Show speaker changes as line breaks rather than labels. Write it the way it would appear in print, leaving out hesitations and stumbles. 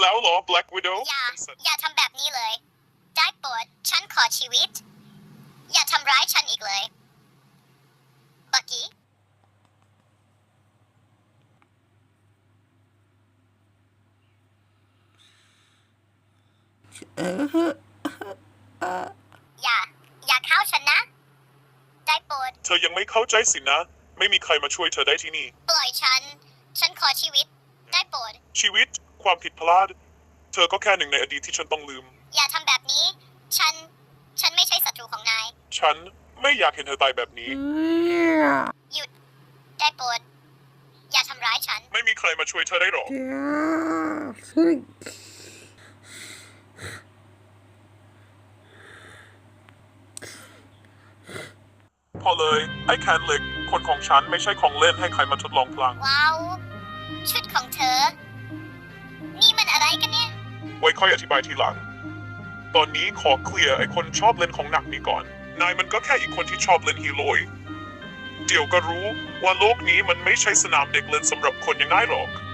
แล้วเหรอ Black Widow
อย่าทำแบบนี้เลย ได้โปรดฉันขอชีวิต อย่าทำร้ายฉันอีกเลยบักกี้อย่าเข้าฉันนะ ได้โปรด
เธอยังไม่เข้าใจสินะ ไม่มีใครมาช่วยเธอได้ที่นี่
ปล่อยฉันขอชีวิต ได้โปรด
ชีวิตความผิดพลาด เธอก็แค่หนึ่งในอดีตที่ฉันต้องลืม
อย่าทำแบบนี้ ฉันไม่ใช่ศัตรูของนาย
ฉันไม่อยากเห็นเธอตายแบบนี้
หยุด ได้โปรด อย่าทำร้ายฉัน
ไม่มีใครมาช่วยเธอได้หรอก พอเลยไอ้แคนเหล็กคนของฉันไม่ใช่ของเล่นให้ใครมาทดลองพลัง
ว้าว ชุดของเธอ นี่มันอะไรกันเนี่ย
ไว้ค่อยอธิบายทีหลัง ตอนนี้ขอเคลียร์ไอ้คนชอบเล่นของหนักนี้ก่อน นายมันก็แค่อีกคนที่ชอบเล่นฮีโร่เดี๋ยวก็รู้ว่าโลกนี้มันไม่ใช่สนามเด็กเล่นสำหรับคนอย่างนายหรอก